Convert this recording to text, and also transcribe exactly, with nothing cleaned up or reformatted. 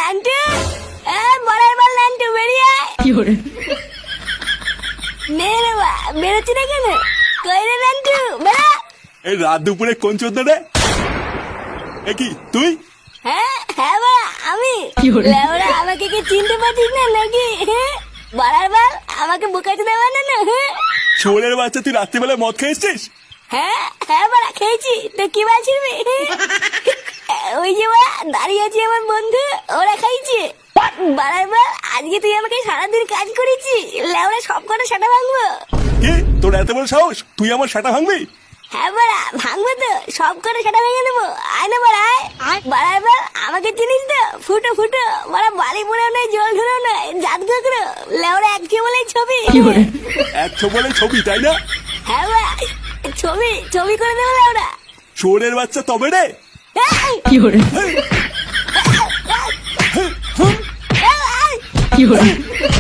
নান্টু এ বড়ার বল নান্টু বেরিয়ে আয়। নে রে বা বেরোচ্ছি না কেন? কই রে নান্টু বেড়া। এই রাত দুপুরে কোন চোদ্দ রে? এ কি তুই? হ্যাঁ হ্যাঁ বা আমি। লেওরা আমাকে কি চিনতে পারছিস না নাকি? হ্যাঁ বড়ার বল আমাকে বোকাতে দেওয়া না না। হ্যাঁ ছোড়ের বাচ্চা, তুই রাত্রিবেলায় মদ খেয়েছিস? হ্যাঁ হ্যাঁ বাড়া খেয়েছি তো কি বলছিস? ওই যে বা দাঁড়িয়ে আছে আমার বন্ধু, ওরা খাইছে। বাড়ার বল আজকে তুই আমাকে সারাদিন কাজ করেছি, লেওরা সব কটা সেটা ভাঙবো। কি তোর এত বড় সাহস, তুই আমার সেটা ভাঙবি? হ্যাঁ বাড়া ভাঙবো তো, সব করে সেটা ভেঙে দেবো। আয় না বাড়া আয়। বাড়ার বল আমাকে চিনিস তো? ফুটো ফুটো বাড়া, বালি পোড়াও নাই, জল ধরেও নাই, জাত কাকড়ো, লেওরা এক বলেই ছবি। একশো বলে ছবি তাই না? হ্যাঁ বাড়া ছবি ছবি করে দেবো লেওরা। ছোড়ের বাচ্চা তবে রে। কি করে কি করে